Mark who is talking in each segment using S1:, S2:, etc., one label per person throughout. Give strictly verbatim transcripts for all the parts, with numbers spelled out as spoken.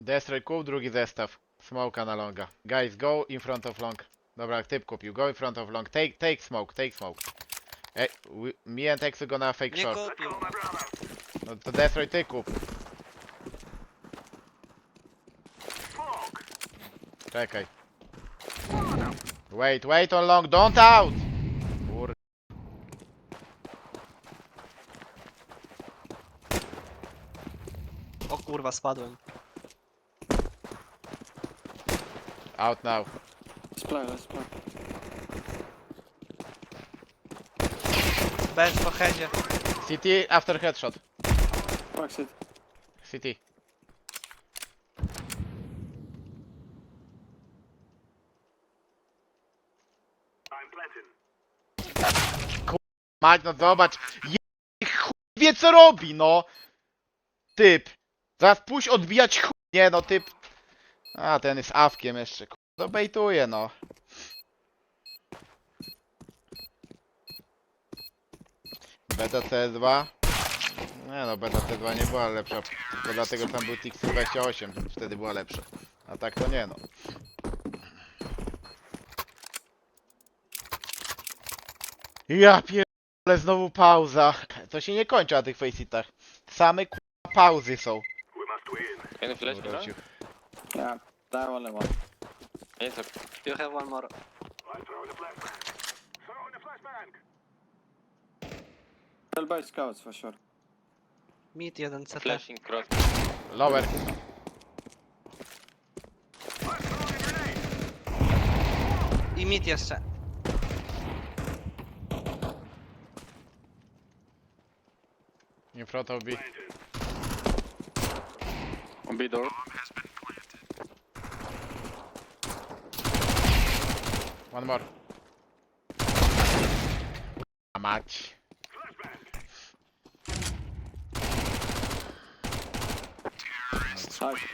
S1: Destroy kup, drugi zestaw. Smoka na longa. Guys, go in front of long. Dobra, typ kupił. Go in front of long. Take, take smoke, take smoke. Ej, we, me and Exo gonna fake
S2: Nie
S1: short.
S2: kupił.
S1: No to Destroy ty kup. Czekaj. Wait, wait on long, don't out! Kur...
S2: O kurwa, spadłem.
S1: Out now.
S3: Let's play, let's play.
S2: Bez po headzie.
S1: City after headshot.
S3: Fuck it.
S1: City. Kur... Mać, no zobacz. Je... chuj wie co robi, no. Typ. Zaraz pójść odbijać chuj. Nie no, typ. A, ten jest awkiem jeszcze. Kur... No bejtuje, no. Beta C dwa. Nie no, beta C dwa nie była lepsza. Tylko dlatego, że tam był T X dwadzieścia osiem. Wtedy była lepsza. A tak to nie no. Ja pierdolę, znowu pauza. To się nie kończy na tych faceitach. Same k***a pauzy są.
S4: Can you flash me now?
S1: Wrócił.
S3: Yeah, that only one.
S4: Yes, sir.
S2: You have one more.
S3: Tell by scouts for sure.
S2: Mid jeden C T.
S4: Flashing cross.
S1: Lower.
S2: I mid jeszcze.
S1: In front of B.
S3: On B door.
S1: One more. A mać.
S3: Nice.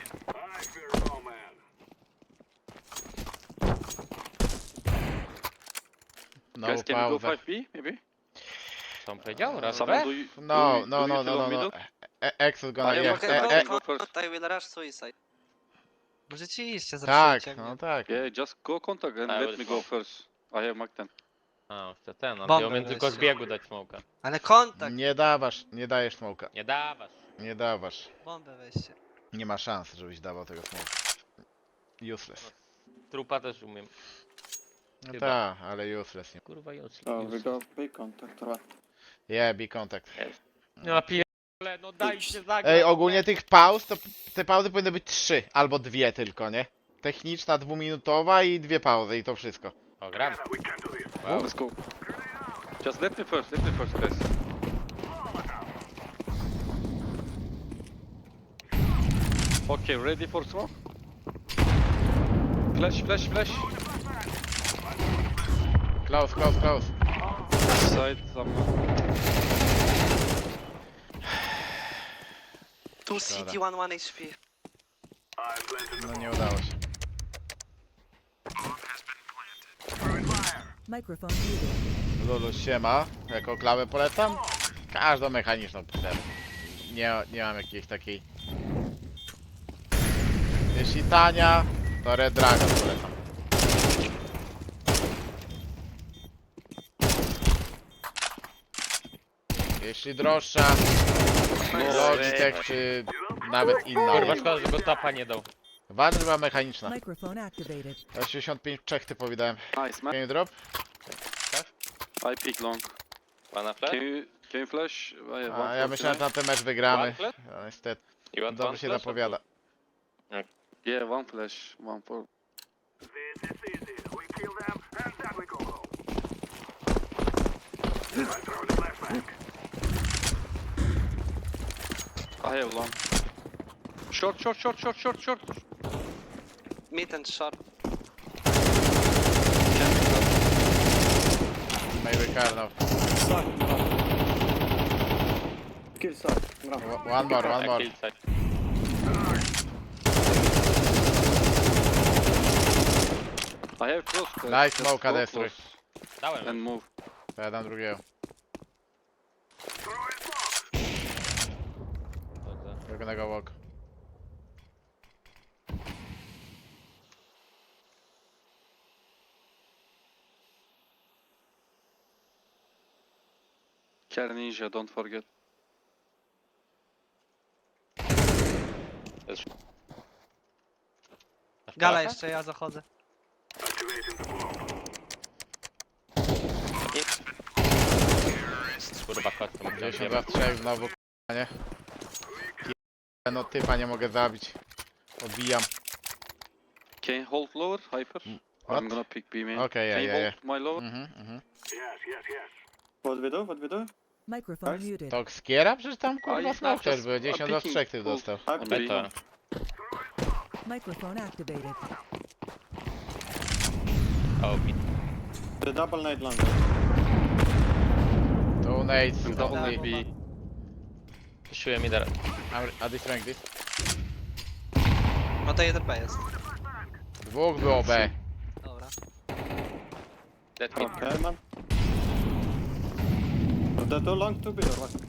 S1: No
S3: Guys, can we go
S1: pauza.
S3: five B maybe?
S4: Co on powiedział? Raz
S3: Someone
S4: B?
S3: do you,
S1: No,
S3: do you,
S1: no,
S3: do
S1: no,
S3: you
S1: no,
S3: tell
S1: no,
S3: on
S1: no.
S3: middle?
S1: E- Exo gonna,
S3: Ale
S1: yes.
S3: mogę
S1: E,
S3: go-
S1: e,
S3: go first.
S2: I will rush suicide. Możecie iść,
S1: tak,
S2: zresztą
S1: no tak.
S3: Yeah, just go contact and
S4: I
S3: let
S4: will
S3: me go
S4: smoke.
S3: first. I have Mark ten.
S4: A, jeszcze ten, ale
S2: Bombę
S4: ja umiem tylko
S2: weź.
S4: z biegu dać smoka.
S2: Ale kontakt!
S1: Nie dawasz, nie dajesz smoka.
S4: Nie dawasz.
S1: Nie dawasz.
S2: Bombę weźcie.
S1: Nie ma szans, żebyś dawał tego smoka. Useless.
S4: Trupa też umiem.
S1: No
S4: Chyba.
S1: tak, ale useless. Nie.
S4: Kurwa useless.
S3: Oh, we go B contact or what?
S1: Yeah, be contact.
S4: No pierdolę, no dajcie zagrać.
S1: Ej, ogólnie tych pauz, to te pauzy powinny być trzy albo dwie tylko, nie? Techniczna, dwuminutowa i dwie pauzy i to wszystko.
S4: O, gram.
S3: Wow. Let's go. Just let me first, let me first, guys. Okay, ready for smoke? Flash, flash, flash.
S1: Close, close, close.
S3: Side, someone.
S2: Tu C T one one H P.
S1: No nie udało się.
S5: Microphone muted.
S1: Lulu siema, jako klawę polecam. Każdą mechaniczną polecam. Nie, nie mam jakiejś takiej. Jeśli tania, to Red Dragon polecam. Jeśli droższa, Logitech czy nawet inna.
S4: Kurwa, szkoda, że go tapa nie dał.
S1: Warzywa mechaniczna.
S5: Microphone activated.
S1: osiemdziesiąt pięć Czech typowi dałem.
S3: Nice, man.
S1: Can you drop?
S3: I peek long.
S4: Pana flash?
S3: Can you, can you flash? I have
S1: A,
S3: one
S1: ja
S3: for
S1: myślałem, że
S3: tonight.
S1: na ten mecz wygramy.
S4: One flash?
S1: No, niestety.
S4: You want
S1: Dobrze
S4: one
S1: się
S4: flash or
S1: zapowiada.
S3: Yeah, one flash, one for. I have long. Short, short, short, short, short, short.
S2: Mid and short.
S1: Maybe Karnow.
S3: Kill side.
S1: O- One more, one
S4: two?
S1: more.
S4: Kill side.
S3: I have close. guys.
S1: Nice
S3: Just
S1: smoke,
S3: go
S1: Adestry.
S3: close
S4: Dałem.
S3: and move.
S1: To ja dam drugiego.
S4: Dobrze.
S1: Drugego walk.
S3: Care Ninja, don't forget.
S2: Gala jeszcze, ja zachodzę.
S4: Kurwa, kotką.
S1: dziesięć za trzech znowu, k***a, nie? Pier- No typa nie mogę zabić. Odbijam.
S3: Can you hold lower, Hyper?
S1: What?
S3: I'm gonna pick B main.
S1: Okay, yeah,
S3: Can you
S1: yeah,
S3: hold my lower?
S1: Mhm, mhm.
S6: What we do? What we do?
S5: Microphone
S6: Nice.
S5: muted.
S1: To skiera? Przecież tam
S3: A,
S1: kurwa
S3: i
S1: smoke też
S3: just-
S1: był,
S3: I'm
S1: dziesięć za
S3: picking
S1: trzech ty
S3: cool.
S1: dostał.
S6: I'm
S3: B.
S4: Beta.
S5: Microphone activated.
S4: O, mi-
S6: The double nade long.
S1: Two nades,
S3: I'm double
S1: only.
S3: nade B.
S4: Piszuję mi teraz.
S1: I'm- A destroying this.
S2: No to jeden B jest.
S1: Dwóch było B.
S2: Dobra.
S4: Dead mid.
S6: Okay, man. Is that too long to be or what?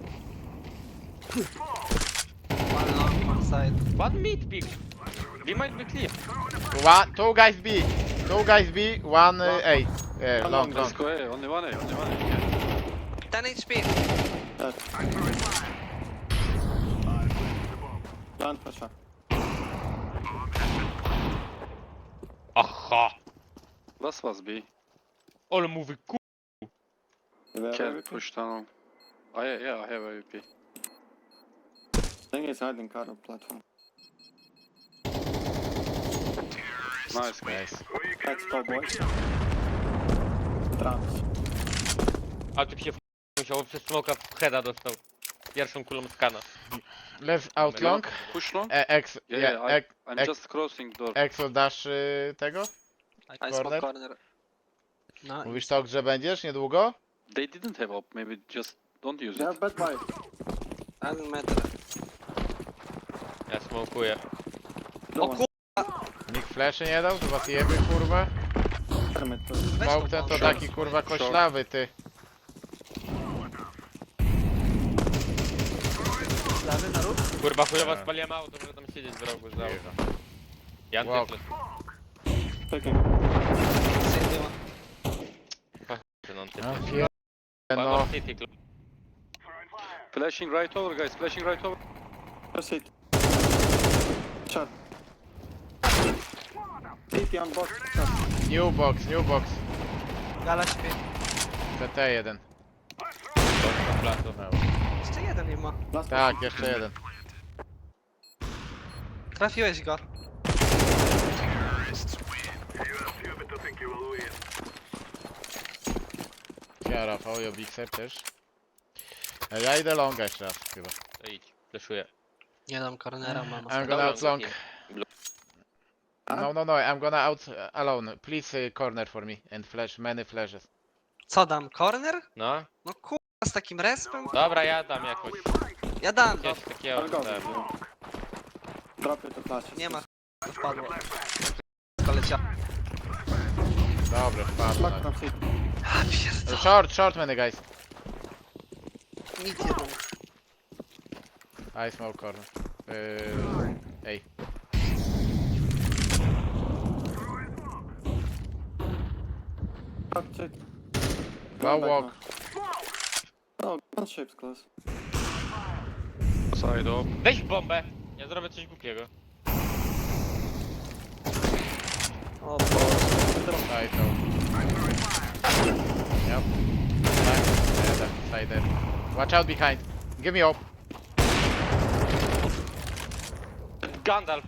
S2: One long, one side.
S4: One mid pick. We might be clear.
S1: One, two guys B. Two guys B, one uh, A. Yeah,
S6: One
S1: long,
S6: long,
S1: long.
S3: Let's go A, only one A, only one A.
S2: ten H P.
S6: Dead. Land for sure.
S4: Aha!
S3: Last was B.
S4: Ale mówi ku...
S6: You have
S3: Care
S6: A W P?
S3: push tunnel. Oh yeah, yeah, I have A W P.
S6: Thing is hiding car on platform.
S3: Nice, guys.
S1: Nice.
S6: Let's go, boys. Trans.
S4: A tu się w... musiał przez smoka w heada dostał. Pierwszą kulą skana.
S1: Let's out long.
S3: Push long?
S1: E, X,
S3: Yeah,
S1: yeah,
S3: yeah, I,
S1: X,
S3: I'm
S1: X,
S3: just crossing door.
S1: Exo dasz y, tego?
S2: I
S1: Corner?
S2: smoke corner. No.
S1: Mówisz to, że będziesz niedługo?
S3: They didn't have up, maybe just don't use
S6: They
S3: it.
S6: have bad buy.
S2: Ten metr.
S4: Ja smokuję.
S6: No
S2: O
S6: one.
S2: kur...
S1: Nikt fleszy nie dał? To was jeby kurwa?
S6: Permit.
S2: Weź
S1: Smoke
S2: to
S1: ten to
S2: pomóż.
S1: taki kurwa koślawy ty.
S2: Lewy na róg.
S4: Kurwa chujowa spaliłem auto, może tam siedzieć w rogu za auto. Ja
S1: Wow.
S4: też
S6: Picking.
S2: Sydney ma.
S4: no, ty.
S1: No pier... no.
S4: City club.
S3: Flashing right over, guys, flashing right over.
S6: Proceed. Shot. C T on box. Shot.
S1: New box, new box.
S2: Gala śpi.
S1: C T jeden.
S4: Na placu.
S2: Jeszcze jeden nie ma.
S6: Last
S1: Tak, jeszcze jeden.
S2: Trafiłeś go.
S1: Ja Rafał, ja Big Sep też. A ja idę longa jeszcze raz chyba.
S4: To idź, fleszuję.
S2: Nie dam cornera, mama.
S1: I'm
S4: Dobra,
S1: gonna out long.
S4: Blue.
S1: No, no, no, I'm gonna out uh, alone. Please uh, corner for me and flash, many flashes.
S2: Co dam? Corner?
S4: No,
S2: No kurwa z takim respem?
S4: dobra, ja dam jakoś.
S2: Ja dam, no.
S4: Jakieś takiego
S6: I'll go.
S4: dam.
S6: Drop it to flash.
S2: Nie ma. To wpadło. Poleciał.
S1: Dobra, wpadł.
S6: Lock from C T.
S2: A pierdol.
S1: Short, short many guys.
S2: Nic jeden.
S1: I smoke corner. Yy, ej.
S6: Shot C T.
S1: Go
S6: back
S1: walk.
S6: now. Oh, one shapes close.
S3: Side up.
S4: Weź bombę! Ja zrobię coś głupiego.
S2: O Boże.
S1: Side no. Yep. Back. Yeah, that side there. Watch out behind. Give me up.
S4: Gandalf!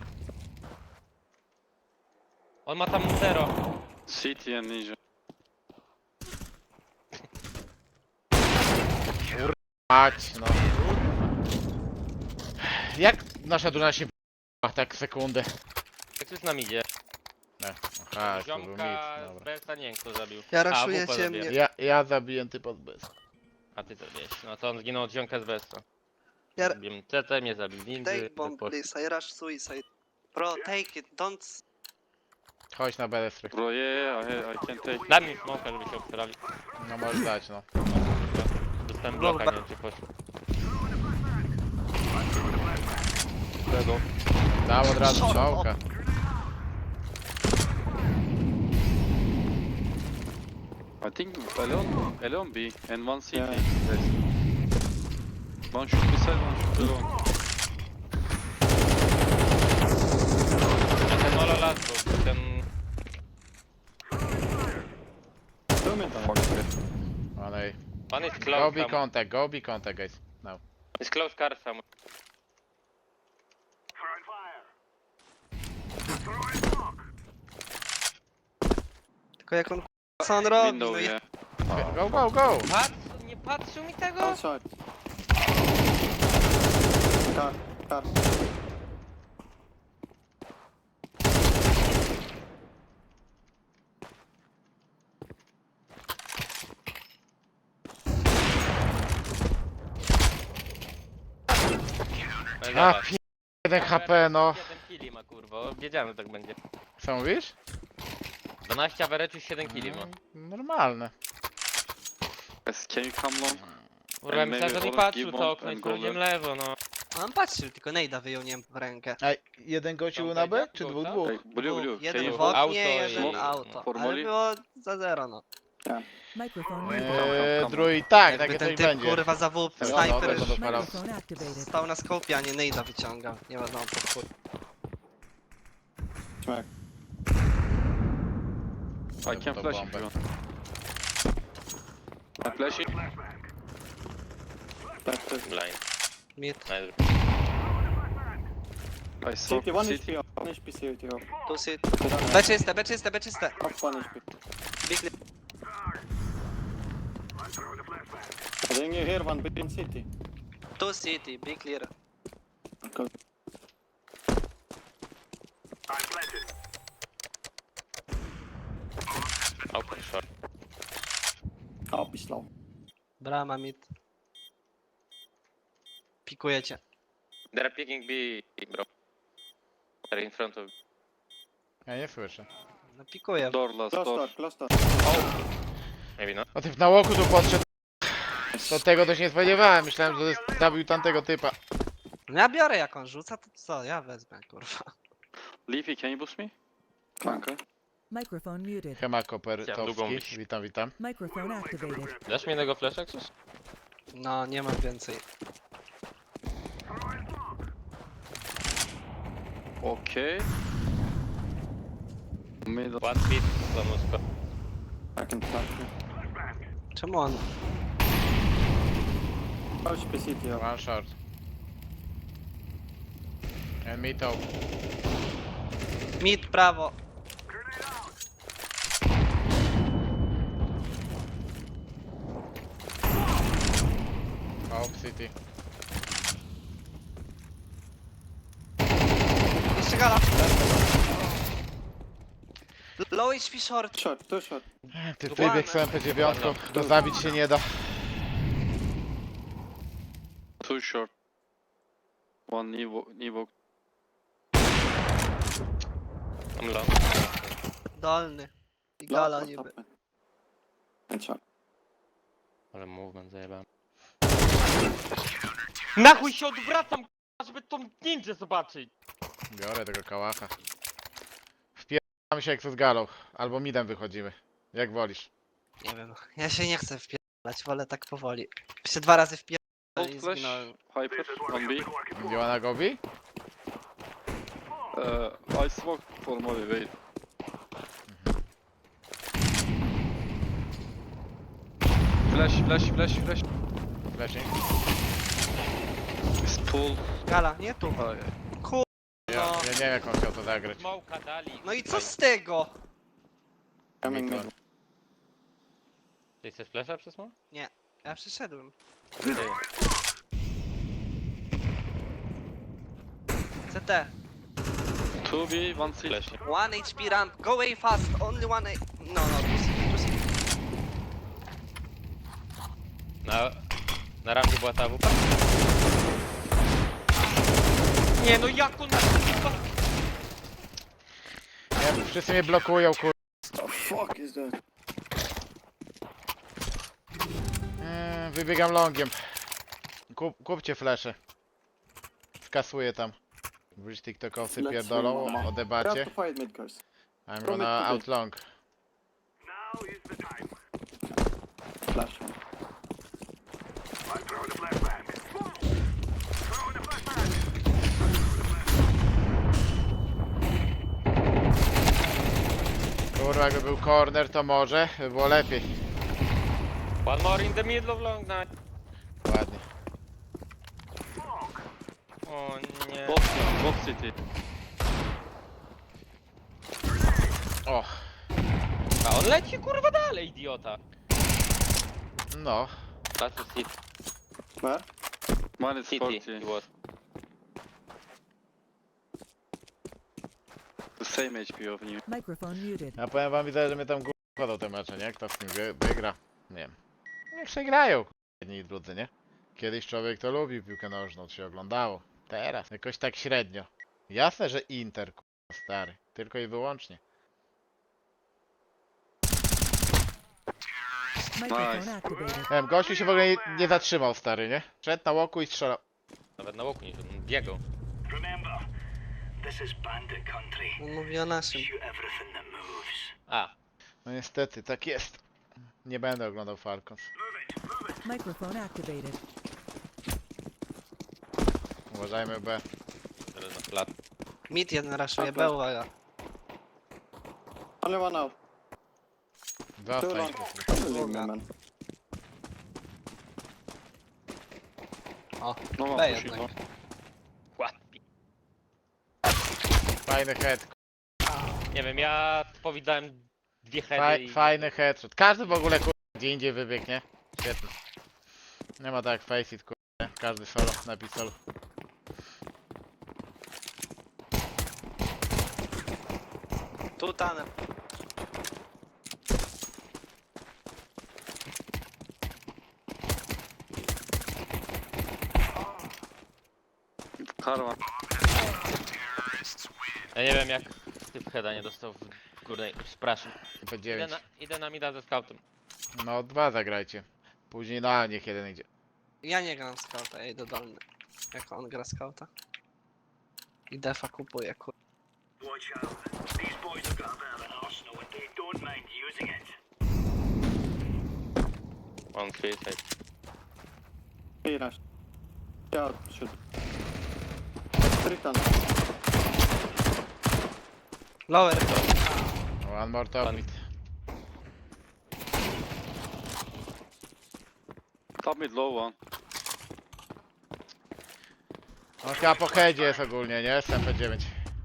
S4: On ma tam zero.
S3: C T and Ninja.
S1: Mać, no. Jak nasza drużyna się p***a tak sekundę?
S4: Jak tu z nami idzie?
S1: Ne. Aha, to był mit,
S4: Ziomka z
S1: dobra.
S4: Bensa nie wiem kto zabił.
S2: Ja
S4: A,
S2: raszuję
S4: Wupa
S2: ciemnie.
S4: zabiję.
S1: Ja, ja zabiję typa z bez.
S4: A ty to wiesz. No to on zginął od ziomka z Bensa.
S2: Ja...
S4: Zabiłem C T, mnie zabił Ninja.
S2: Take bomb please, I rush suicide. Bro, take it, don't...
S1: Chodź na B D S.
S3: Bro, yeah, yeah, I, I can take.
S4: Daj mi smoka, żeby się obsrali.
S1: No możesz dać, no.
S4: Dostałem bloka, nie wiem czy poszło.
S3: Dead up.
S1: Dam od razu smoka.
S3: I think Elon, Elon B and one C T.
S6: Yeah.
S3: Guys. One should be side, one should be long.
S4: Ten molo last był, ten...
S6: Two mid.
S3: Fuck it.
S1: One A.
S4: One is
S1: Go
S4: close,
S1: be
S4: tam.
S1: contact, go be contact, guys. No.
S4: Is close car some.
S2: Tylko jak on co on robi,
S3: Window,
S2: no ja...
S3: yeah.
S1: Go, go, go!
S4: Patrz, nie patrzył mi tego?
S6: Outside. Car, car.
S4: No i
S1: A,
S4: zobacz.
S1: p... jeden H P, no.
S4: siedem killi ma kurwa, wiedziałem, że tak będzie.
S1: Co mówisz?
S4: dwanaście average, siedem killi ma.
S1: Normalne.
S3: Guys, can you come long?
S4: Kurwa,
S3: Ej,
S4: myślałem, że
S3: maybe
S4: nie
S3: all
S4: patrzył
S3: give
S4: to
S3: one
S4: okno i
S3: and
S4: sprawdziłem
S3: go
S4: lewo, no.
S2: A on patrzył, tylko Nejda wyjął nie w rękę.
S1: A jeden gościu
S4: Tam
S1: na B?
S4: wejdzie?
S1: Czy
S4: Był
S1: dwóch,
S4: tam?
S1: dwóch?
S3: Hey, blue, blue, can
S2: Jeden
S3: you
S2: w
S3: hold?
S4: Auto
S2: oknie, jeden
S4: i-
S2: auto.
S3: for
S2: Ale
S3: molly?
S2: było za zero, no.
S5: Microphone
S3: Eee,
S5: muted.
S1: Eee,
S3: come.
S1: druid, tak,
S2: Jakby
S1: takie
S2: ten
S1: coś
S2: typ
S1: będzie.
S2: kurwa za W P,
S1: No,
S2: snajper
S1: dobra, to dopalał.
S5: Microphone activated.
S2: stał na skopie, a nie Nejda wyciągał. Nie wiadomo po chuj.
S6: Smack.
S3: I can
S1: To
S3: flash
S1: bombę.
S3: if you want. I flash it.
S6: Left, left.
S4: Blind.
S2: Mid,
S4: Nice.
S3: I saw
S6: City, one
S3: city.
S6: H P off. One H P city off.
S2: tu sit. B czyste, B czyste, B czyste.
S6: Off one H P.
S2: Big li-
S6: I think you hear one big in city.
S2: Tu city, big clear.
S6: Go.
S4: Open short.
S6: I'll be slow.
S2: Brama mid. Pikujecie.
S4: They're picking B, bro. They're in front of...
S1: Ja nie słyszę.
S2: No pikuję.
S3: Door last,
S6: Close
S3: door.
S6: door, close door.
S4: Maybe not.
S1: O typ na łoku tu podszedł. To tego też nie spodziewałem. Myślałem, że zabił tamtego typa.
S2: No ja biorę jak on rzuca, to co? Ja wezmę, kurwa.
S3: Leafy, can you boost me? Okay.
S5: Microphone muted.
S1: Hema Koper
S4: Chciałem długą
S1: Towski.
S4: bić.
S1: Witam, witam.
S5: Microphone activated.
S4: Dasz mi jednego flasha, coś?
S2: No, nie mam więcej.
S3: Okay. Middle.
S4: One speed, za musko.
S6: I can flash you.
S2: Czemu on?
S6: H P city off.
S1: One short. And me top.
S2: Mid, prawo.
S1: Top city.
S2: Jeszcze gala. Low H P short.
S6: Short, two short.
S1: Ty
S2: Dokładnie.
S1: wybieg z M P dziewięć, to zabić się nie da.
S3: Two short. One Evo. Evo.
S4: Tam low.
S2: Dolny. I
S6: Last
S2: gala
S6: or
S2: niby.
S6: top mid. And short.
S4: Ale movement zajebałem. Na chuj się odwracam, k***a, żeby tą ninja zobaczyć!
S1: Biorę tego kałacha. Wpieramy się jak to z galą. Albo midem wychodzimy. Jak wolisz.
S2: Nie wiem. Ja się nie chcę wpierdalać, wolę tak powoli. Jeszcze dwa razy wpierdalać i
S3: Hold flash.
S2: zginąłem.
S3: Hyper. One B.
S1: You wanna go B?
S3: Uh, I smoke for molly, wait. Flash, flash, flash, flash.
S1: Flashing.
S3: It's pull.
S2: Gala, nie tu.
S3: Uh,
S2: Kur...
S1: Ja,
S2: No.
S1: ja nie wiem jak on chciał to zagrać.
S4: Smoka dali.
S2: No i co z tego?
S6: Coming
S1: Mid.
S6: mid.
S4: Ty chcesz flasha przez mo?
S2: Ja przyszedłem. C T.
S3: two B, one C.
S4: Flash.
S2: One H P ramp. Go away fast. Only one A... No, no, tu city, tu city.
S4: Na... Na rampie była ta W P? Nie no jak on...
S1: Nie, wszyscy mnie blokują, kur...
S6: The fuck is that?
S1: Eee, wybiegam longiem. Kup, kupcie flesze. Skasuję tam. Wróć tiktokowcy
S6: Let's
S1: pierdolą
S6: win, mama.
S1: o
S6: We
S1: debacie.
S6: have to fight mid, guys.
S1: I'm
S6: From
S1: gonna
S6: mid to
S1: out long.
S6: Flash one.
S1: Kurwa, jakby był corner, to może by było lepiej.
S4: One more in the middle of long night.
S1: Ładnie.
S4: O nie.
S3: Box, box city.
S1: O,
S4: A on leci kurwa dalej, idiota.
S1: no.
S4: That's a city.
S6: Where?
S3: Minus
S4: City
S3: forty.
S4: he was.
S3: The same H P of you.
S5: Microphone muted.
S1: Ja powiem wam, widzę, że mnie tam gó- wkładał te mecze, nie? Kto z tym wy- wygra? Nie wiem. Niech się grają, k***a, jedni i drudzy, nie? Kiedyś człowiek to lubił piłkę nożną, to się oglądało. Teraz jakoś tak średnio. Jasne, że Inter, k***a, stary. Tylko i wyłącznie.
S5: Microphone
S3: Nice.
S5: activated.
S1: Nie wiem, gościu się w ogóle nie, nie zatrzymał, stary, nie? Szedł na łoku i strzelał.
S4: Nawet na łoku nie szedł, on biegał.
S7: Remember, this is bandit country.
S2: On mówi o naszym.
S7: Shoot everything that moves.
S4: A,
S1: No niestety, tak jest. Nie będę oglądał Falcons.
S5: Microphone activated.
S1: Uważajmy B.
S4: teraz na plat.
S2: Mid jeden raszuje,
S6: Dobra.
S2: B uwaga.
S6: Only one out. Two
S1: Zostań.
S6: long. Leave me, man.
S2: O,
S3: No
S2: B
S3: one
S2: jednak.
S3: pushing long.
S4: Ładnie.
S1: Fajny head.
S4: Nie wiem, ja powidałem dwie heady
S1: Faj,
S4: i...
S1: fajny headshot. Każdy w ogóle kur... gdzie indziej wybiegnie. Świetnie. Nie ma tak jak Faceit kur... Każdy solo na pistolu.
S2: Tu tanem.
S3: Car one.
S4: Ja nie wiem jak typ heada nie dostał w górnej... Przepraszam.
S1: P
S4: Idę
S1: dziewięć.
S4: na, idę na mida ze scoutem.
S1: No dwa zagrajcie. Później na niech jeden idzie.
S2: Ja nie gram scouta, ja idę dolny. Jako on gra scouta. I defa kupuje, kur...
S7: Watch out. These boys have got a bit of an arsenal and they don't mind using it.
S4: On three side.
S6: He rush. Yeah, shoot. Three tunnel.
S2: Lower.
S1: One more top
S4: Pan-
S1: mid.
S3: Top mid low one.
S1: On chyba po headzie jest ogólnie, nie? S M P dziewięć.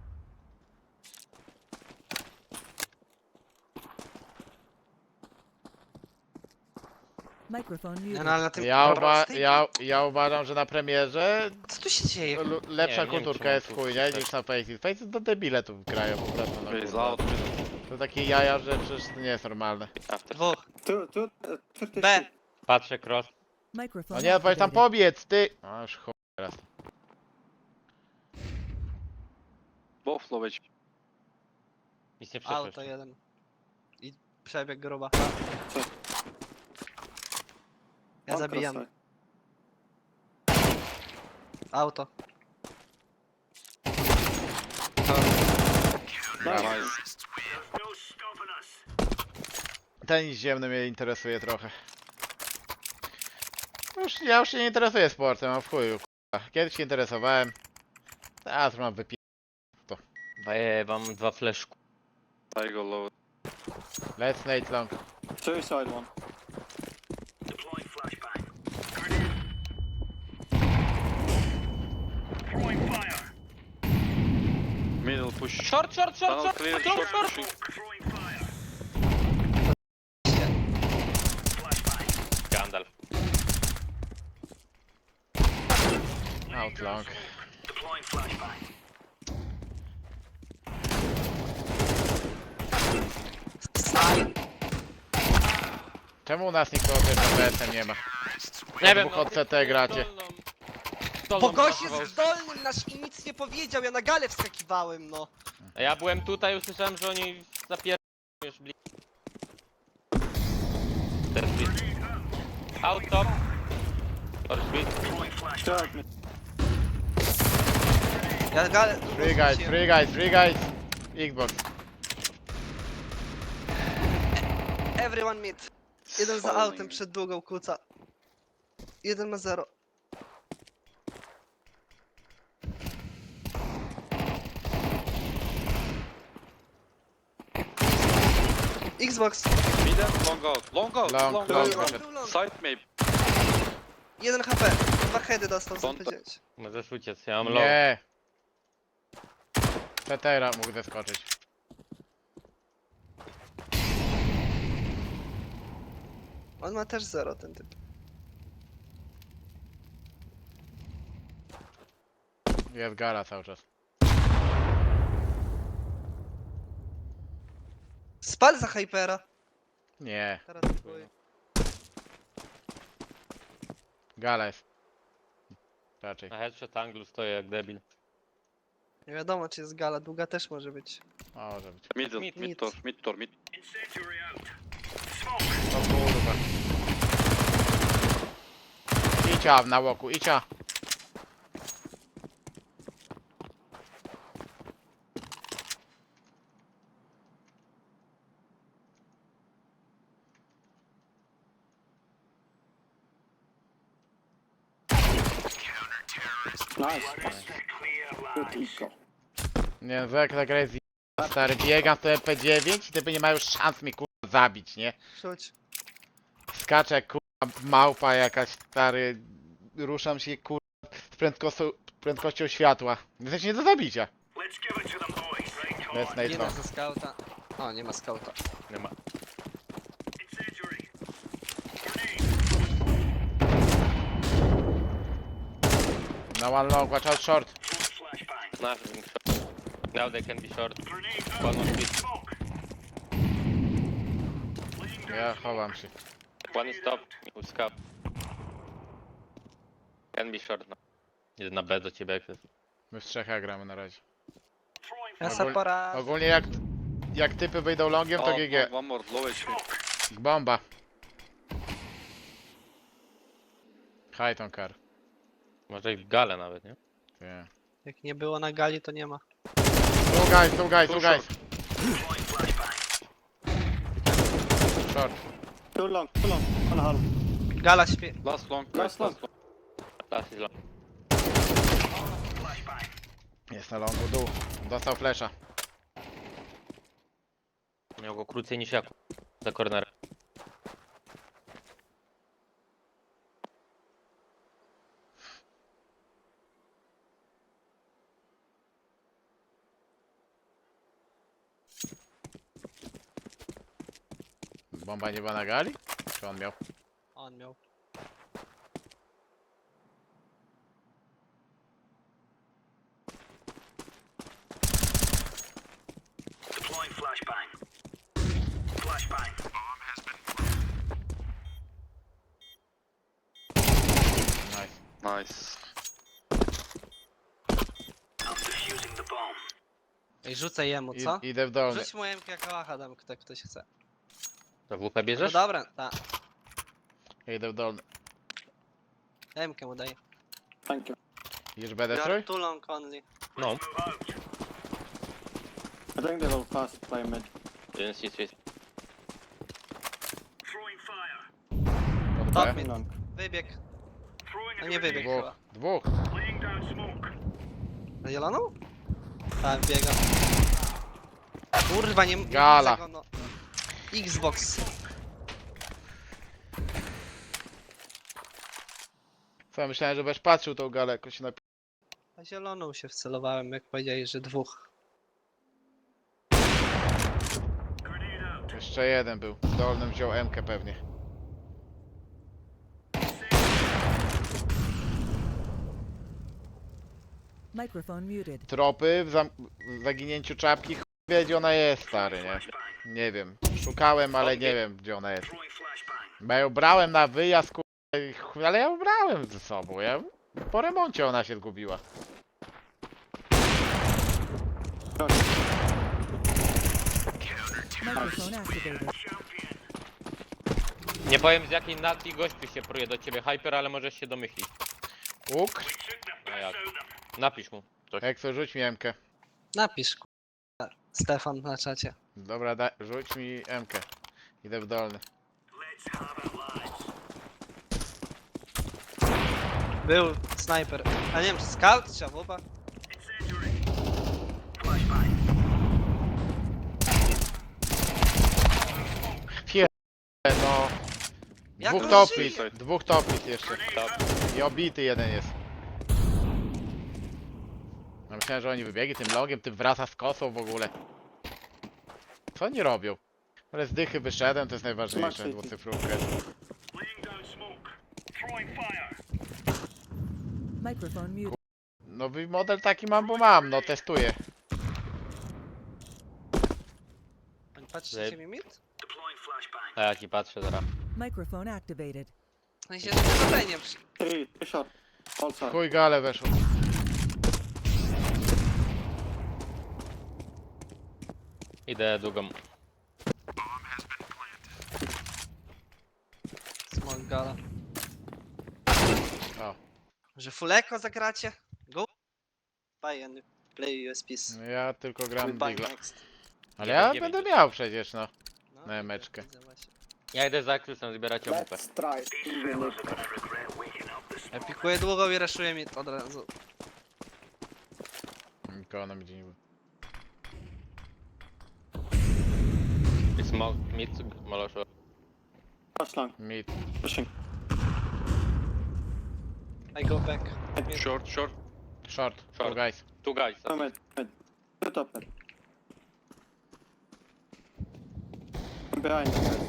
S5: Microphone
S2: Nie,
S5: muted.
S2: no ale na tym...
S1: Ja,
S2: Dobra,
S1: uwa
S2: stay-
S1: ja, ja uważam, że na premierze
S2: Co tu się dzieje?
S1: lu- lepsza
S4: Nie, nie wiem,
S1: kulturka
S4: czy
S1: jest w
S4: mam tu
S1: chuj, nie?
S4: coś.
S1: Niż na Faceit. Faceit do debile tu grają po prostu. No,
S3: Is
S1: kurwa.
S3: out.
S1: To takie jaja, że przecież to nie jest normalne.
S4: After.
S2: Dwóch.
S6: Two, two, uh, thirty.
S2: B.
S4: Patrzę cross.
S5: Microphone
S1: No nie, powiedz tam
S5: activated.
S1: pobiec, ty! A już chuj teraz.
S3: Both low H P.
S4: Nic nie
S2: Auto
S4: przeszło.
S2: jeden. I przebieg gruba.
S6: Co?
S2: Ja
S6: One
S2: zabijam.
S6: cross
S2: Auto.
S1: Brawo.
S3: Nice.
S7: No stopping us.
S1: Tenis ziemny mnie interesuje trochę. Już, ja już się nie interesuję sportem, mam w chuju, k***a. Kiedyś się interesowałem. Teraz mam wypi...
S4: Daję wam dwa fleszku.
S3: I go low.
S1: Let's Nate long.
S6: Two side one.
S7: Deploying flashbang. Throwing fire.
S3: Middle push.
S4: Short, short, short,
S3: Tunnel
S4: short,
S3: clear,
S4: short,
S3: short
S4: short.
S3: pushing.
S7: Throwing fire. Flashbang.
S4: Gandalf.
S1: Out long.
S7: Deploying flashbang.
S2: Side.
S1: Czemu u nas nikogo z B S nie ma?
S4: Nie wiem,
S1: Dwóch od C T gracie.
S4: dolną- dolną
S2: Bo gość
S4: brakowało.
S2: jest zdolnym nasz i nic nie powiedział, ja na galę wskakiwałem, no.
S4: A ja byłem tutaj, usłyszałem, że oni zapier... już bli... Teraz bli... Out top. Or split.
S7: Deploying flashbang.
S6: Third mid.
S2: Ja galę...
S1: Free guys, free guys, free guys. Xbox.
S2: Everyone mid. Jeden za
S6: Falling.
S2: autem przed długą kuca. Jeden ma zero. Xbox.
S3: Middle, long out. Long out.
S1: Long,
S3: Long,
S1: long,
S3: out.
S1: long.
S3: Side maybe.
S2: jeden H P. Dwa heady dostał, co
S3: Don't-
S2: powiedzieć.
S4: Możesz uciec, ja mam low.
S1: Nie. Tetera mógł zeskoczyć.
S2: On ma też zero, ten typ.
S1: Jest gala cały czas.
S2: Spal za Hypera.
S1: Nie,
S2: Teraz próbuję.
S1: gala jest. Raczej.
S4: Na headshot anglu stoję jak debil.
S2: Nie wiadomo, czy jest gala. Długa też może być.
S1: Może być.
S3: Middle,
S4: Mid,
S3: mid,
S2: mid.
S3: door, mid door, mid.
S7: Incendiary out.
S1: O kurwa. Icia na łoku, icia.
S6: Nice.
S7: Clear
S6: Good
S7: lines.
S6: eco.
S1: Nie, no jak ta gra jest z- stary, biegam w to M P dziewięć i typy nie mają już szans mnie kurwa zabić, nie?
S2: Rzuć.
S1: Skaczę jak kurwa małpa jakaś, stary, ruszam się kurwa z prędkością, prędkością światła. Jesteś nie do zabicia.
S7: Let's give it to them boys. Right, come
S1: Bez
S7: on.
S1: Nate
S2: Jeden
S1: long.
S2: ze skauta. O, nie ma skauta.
S4: Nie ma.
S7: Incendiary.
S1: No one long, watch out short.
S7: Throwing flashbang.
S4: Nothing short. Now they can be short.
S7: Grenade out.
S4: One on mid.
S7: Smoke. Laying down
S1: Ja
S7: smoke.
S1: chowam się.
S4: One is top. With scout. Can be short now. Idę na B do ciebie jak jest.
S1: My w trzech A gramy na razie.
S7: Throwing
S2: Ja
S1: Ogól-
S2: se pora...
S1: Ogólnie jak, jak typy wyjdą longiem to
S3: Oh,
S1: G G.
S3: one- one more, low H P.
S7: smoke.
S1: Bomba. High car.
S4: Może i w gale nawet, nie?
S1: Yeah.
S2: Jak nie było na gali, to nie ma.
S1: Two guys, two guys, two
S3: Two
S1: guys.
S7: Deploying flashbang.
S1: Short.
S6: Too long, too long. One half.
S2: Gala śpie...
S3: Last long,
S6: Last
S3: guys,
S6: long.
S3: last long.
S4: Last is long.
S7: Flashbang.
S1: Jest na longu dół. Dostał flesza.
S4: Miał go krócej niż jak. Za cornerem.
S1: Bomba nie była na gali? Czy on miał?
S2: On miał.
S7: Deploying flashbang. Flashbang.
S1: Nice.
S3: Nice.
S7: I'm defusing the bomb.
S2: Ej, rzucę jemu,
S1: I,
S2: co?
S1: idę w dolny.
S2: Rzuć mu M K kałacha, dam kto ktoś chce.
S4: To W P
S2: No
S4: bierzesz?
S2: dobra, tak.
S1: Idę w dolny.
S2: M K mu daję.
S6: Thank you.
S1: Idziesz B
S2: You are
S1: destroy?
S2: too long only.
S4: No.
S7: Move out.
S6: I think they will fast play mid.
S4: Jeden C trzy.
S7: Throwing fire.
S1: Pod
S2: Top
S1: B.
S2: mid.
S6: Long.
S2: Wybieg.
S7: Throwing a
S2: No nie
S7: grenade.
S2: wybieg
S1: Dwóch.
S2: chyba.
S1: Dwóch.
S7: Laying down smoke.
S2: Na zieloną? Tak, biega. Kurwa, nie nie
S1: Gala.
S2: widzę go, no. Xbox.
S1: Co, myślałem, że będziesz patrzył tą galę jakoś na...
S2: Na zieloną się wcelowałem, jak powiedzieli, że dwóch.
S7: Grenade out.
S1: Jeszcze jeden był. W dolnym wziął M-kę pewnie.
S5: Microphone muted.
S1: Tropy w, zam... w zaginięciu czapki. Chuj wie, gdzie ona jest, stary, nie?
S7: Flashbang.
S1: Nie wiem. Szukałem, ale nie wiem, gdzie ona jest.
S7: Throwing flashbang.
S1: Bo ja ją brałem na wyjazd, ku... i chuj, ale ja ją brałem ze sobą. Ja... Po remoncie ona się zgubiła.
S5: Microphone activated.
S7: Champion.
S4: Nie powiem z jakiej nacji gościu się pruje do ciebie Hyper, ale możesz się domyślić.
S1: Łuk?
S7: We took the
S4: A
S7: best
S4: jak?
S7: out of them.
S4: Napisz mu coś.
S1: Ekso, rzuć mi M-kę.
S2: Napisz, kurwa. Stefan na czacie.
S1: Dobra, da... rzuć mi M-kę. Idę w dolny.
S7: Let's have it, lads.
S2: Był snajper. A nie wiem, czy scout, czy awoba?
S7: Incendiary. Flashbang.
S1: no.
S2: Jak
S1: Dwóch
S2: on
S1: topit,
S2: żyje?
S1: dwóch topit jeszcze. I obity jeden jest. Ja myślałem, że oni wybiegli tym logiem, tym wraca z kosą w ogóle. Co oni robią? Ale z dychy wyszedłem, to jest najważniejsze,
S6: Smart City.
S1: dwucyfrówkę.
S7: Laying down smoke. Throwing fire.
S5: Microphone muted.
S1: Nowy model taki mam, bo mam, no testuję.
S2: Patrzycie mi mit?
S7: Deploying flashbang.
S4: A ja ci patrzę zaraz.
S5: Microphone activated.
S2: W sensie, że powodzenie przy...
S6: Three, three short. All side.
S1: Chuj gale weszło.
S4: Idę długą.
S2: Small gala.
S1: O,
S2: Że fuleko zagracie? Go. Buy and play U S Ps.
S1: no ja tylko
S2: We
S1: gram
S2: buy
S1: Digla.
S2: next.
S1: Ale ja
S4: Nie
S1: będę
S4: będzie.
S1: miał przecież, no.
S2: No,
S1: Na
S2: widzę,
S1: emeczkę.
S2: widzę właśnie.
S4: Ja idę za Krysem zbierać O W P.
S6: Let's try.
S7: Fellas are gonna regret waking up this
S2: Ja pikuję długo i raszuję mit od razu.
S1: Nikogo nam gdzie nie było.
S4: I smoke, mid, moloszu.
S6: Touch long.
S1: Mid.
S6: Pushing.
S2: I go back. Mid.
S3: Short, short.
S1: Short.
S4: Short.
S1: Short. Guys.
S4: Two guys.
S6: No mid, mid. Two top mid. I'm behind you guys.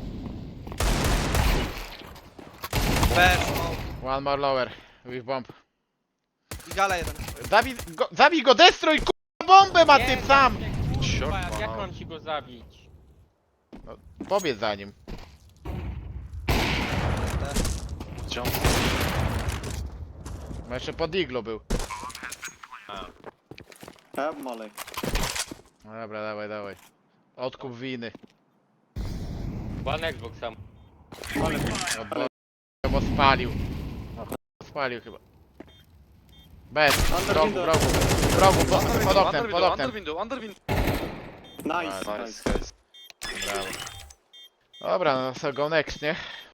S2: B, smoke.
S1: One more lower. With bomb.
S2: I gala jeden.
S1: Zabij go, zabij go destroy, k***a bombę ma typ sam!
S4: Kurwa,
S3: Short,
S4: jak
S3: wow.
S4: mam ci go zabić?
S1: Powiedz za nim.
S3: Jump.
S1: Bo jeszcze pod iglo był.
S4: A.
S6: I have molly.
S1: No dobra, dawaj, dawaj. Odkup winy.
S4: One Xbox sam.
S1: No bo, bo spalił. No, ch- spalił chyba. Bez, w rogu, w rogu. W rogu, pod,
S3: Under
S1: pod
S3: window,
S1: oknem,
S3: under
S1: pod
S3: window,
S1: oknem.
S3: under window, under window.
S6: Nice,
S3: Nice,
S6: nice.
S3: guys.
S1: Brawo. Dobra, no so go next, nie?